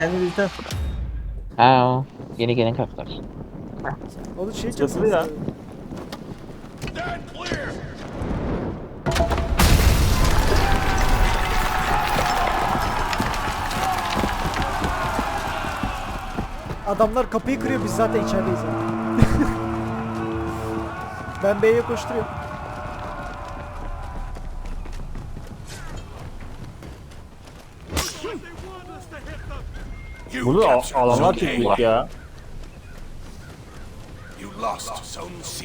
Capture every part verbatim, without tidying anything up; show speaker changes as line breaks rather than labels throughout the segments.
Kendi bizden.
Ha o. Yeni gelen kartlar.
O da şey
Çatılı ya.
Adamlar kapıyı kırıyor, biz zaten içerideyiz zaten. Ben B'ye koşturuyorum.
Burada al- alanlar çok büyük ya.
You lost Zone C.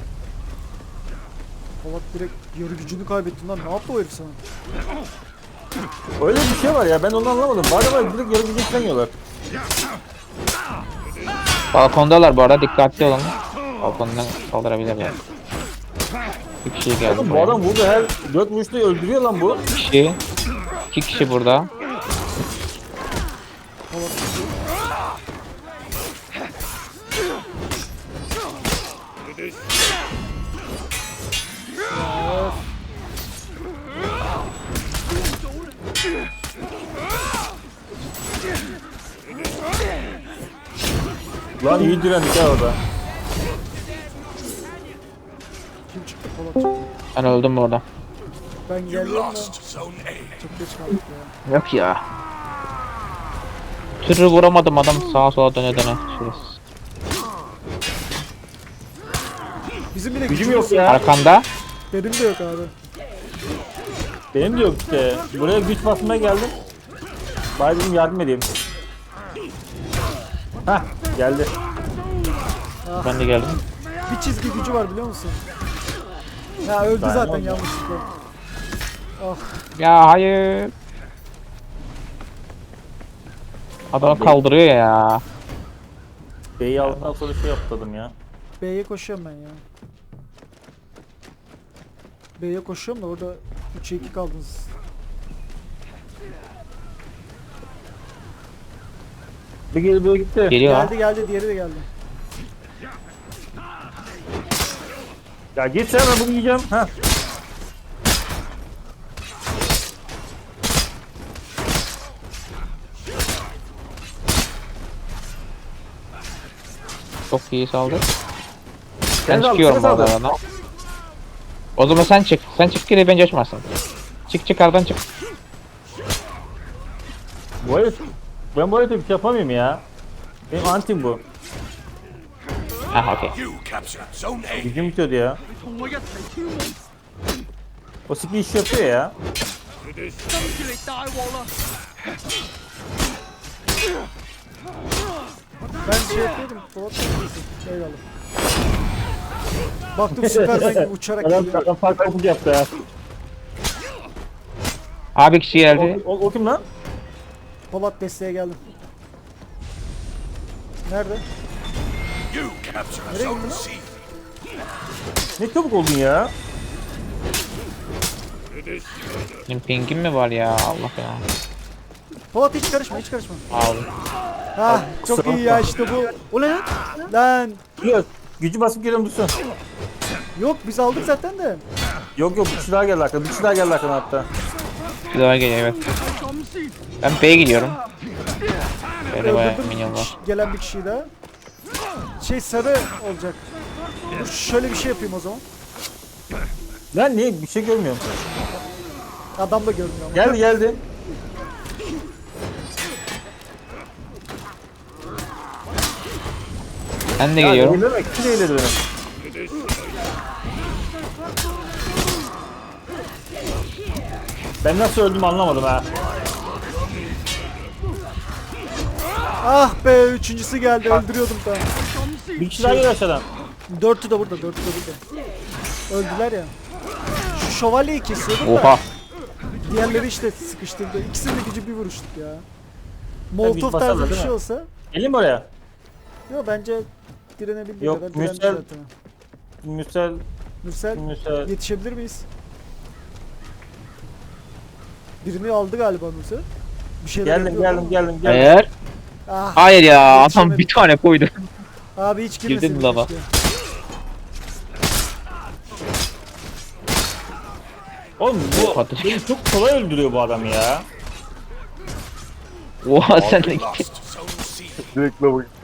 Polat direkt yarı gücünü kaybettin lan. Ne yaptı o herif sana?
Öyle bir şey var ya, ben onu anlamadım. Bari var direkt yarı gücü istemiyorlar.
Balkondalar bu arada, dikkatli olun. Balkondan saldırabilirler. Bir kişi geldi
Oğlum bu
buraya.
adam vurdu, her dört vuruşta öldürüyor lan bu.
Bir kişi. İki kişi burada.
Polat
Lan iyi direndik ya orada.
kim çıktı? Polat çıktı.
Ben öldüm orada.
Ben
You
geliyorum da
lost Zone A.
çok geç kaldık ya.
Yok ya. Türü vuramadım, adam sağa sola döne döne. Şurası.
Bizim bile
Gücüm
gücümüz
yok ya.
Arkanda.
Benim de yok abi.
Benim de yok işte. Buraya güç basmaya geldim. Bari dedim yardım edeyim. Hah geldi.
Ben de geldim.
Bir çizgi gücü var biliyor musun? Ya öldü
Ben
zaten
oldu.
yanlışlıkla. Ah,
Ya hayır. Adamı kaldırıyor ya.
B'yi aldıktan sonra şey yaptım ya.
B'ye koşuyorum ben ya. B'ye koşuyorum da orada üçe iki kaldınız.
Bir geri böyle gitti.
Geliyor ha.
Geldi geldi, diğeri de geldi.
Ya git sen, ben bunu yiyeceğim. Hah.
Çok iyi saldı.
Sen
Ben
de al,
çıkıyorum
sen
bu
de al.
arada. O zaman sen çık. Sen çık ki bence açmasın. Çık çık aradan çık.
Bu herif, ben bu herife bir şey yapamıyorum ya. Benim antim bu.
Ha okey.
You captured Zone A.
Gücüm bitiyordu ya. O skill iş yapıyor ya.
Ben şey yapıyordum. Polat eyvallah. Baktım Superman gibi uçarak
Adam,
geliyor.
adam fark topuk yaptı ya.
Abi kişi geldi.
O, o, o kim lan?
Polat desteğe geldim. Nerede?
You captured
Nereye
Zone
gitti lan?
C.
Ne çabuk oldun ya.
Benim pingim mi var ya, Allah ya.
Polat hiç karışma, hiç karışma.
Abi.
Ha, çok
kusura
iyi ya işte bu. O ne lan? Lan
Yok. Gücü basıp geliyorum dursun.
yok biz aldık zaten de.
Yok yok, bir kişi daha geldi arkadan. Bir kişi daha geldi arkadan hatta.
Bir daha geliyor, evet. Ben B'ye gidiyorum. B'de bayağı
Öldürdüm
minyon var.
gelen bir kişiyi daha. Şey sarı olacak. Dur şöyle bir şey yapayım o zaman.
Lan niye? Bir şey görmüyorum.
Adam da görmüyor ama.
Geldi geldi.
Ben de
Ya
geliyorum.
eğilerek, kim eğiledi beni? Ben nasıl öldüm anlamadım ha.
Ah be, üçüncüsü geldi, öldürüyordum da.
Bir kişi daha geliyor aşağıdan.
Dörtü de burada, dörtü de burada. Öldüler ya. Şu şövalyeyi kesiyordum
Oha.
da. Diğerleri işte sıkıştırdı. İkisinin de gücü bir vuruştuk ya. Molotov
basarlar
tarzı bir
değil
şey
mi?
olsa.
Gelin mi oraya?
Yok bence direnebildiği
Yok,
kadar direnmiş
Mürsel-
zaten.
Müsel,
Mürsel
Müsel.
yetişebilir miyiz? Birini aldı galiba Mürsel. Bir şeyler
Geldim
yapıyor
geldim
ama-
geldim geldim.
Hayır.
Ah,
Hayır ya, adam
Yetişemedim.
bir tane koydu.
abi hiç girmesin.
Girdin lava.
Oğlum bu
Atış.
beni çok kolay öldürüyor bu adam ya.
Oha sen de
We
gittin.
lost Zone C.
Direkt lava gitti.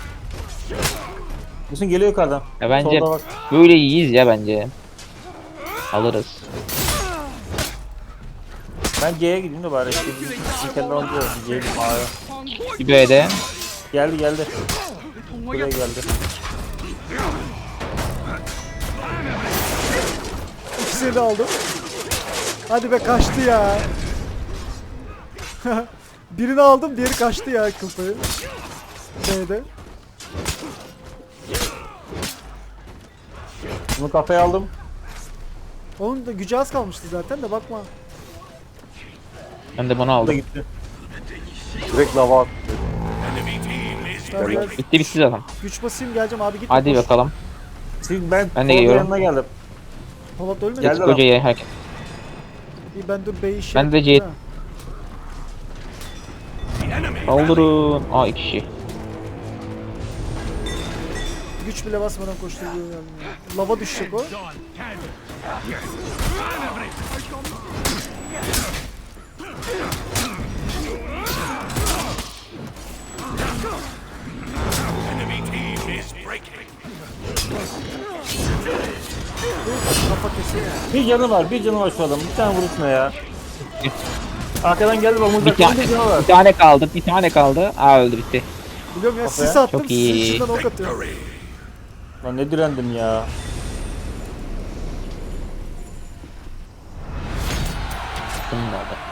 Musun geliyor yukarıdan.
Ya bence
Solda bak.
böyle iyiyiz ya bence. Alırız.
Ben C'ye gideyim de bari. Bir kere alacağız. C'ye gideyim A'ya.
Bir B'de.
Geldi geldi. Buraya geldi.
İkisini de aldım. Hadi be kaçtı ya. Birini aldım, diğeri kaçtı ya kılpayı. B'de.
Bunu kafaya aldım.
Onun da gücü az kalmıştı zaten de bakma.
Ben de bunu
Bu da
aldım.
gitti.
Direkt lava attı.
Enemy team is
Ben
breaking.
Bitti bitti zaten.
güç basayım geleceğim abi git.
Hadi
koş.
bakalım.
Şimdi ben,
Ben de
Polat'ın
geliyorum.
yanına geldim.
Polat ölmedi.
Gel.
mi?
Geldi.
Kocayı herkes.
İyi ben dur B'yi işaret
Ben de
edeyim
C-
ha.
The enemy
Kaldırın. Aa iki kişi.
Güç bile basmadan koşturuyor yani. ya. Lava düşecek o.
enemy team is breaking.
Kafa kesiyor.
Bir canı var, bir canı var şu adamın. Bir tane vuruşma ya. Arkadan geldi bak
Bir,
mızrak.
ta
Bir canı var.
bir tane kaldı. Bir tane kaldı. Aa öldü bitti.
Biliyorum ya
Kafaya.
sis attım.
Çok iyi.
Sisin içinden ok atıyor.
Victory.
Lan ne direndim ya.
Bunun da oldu.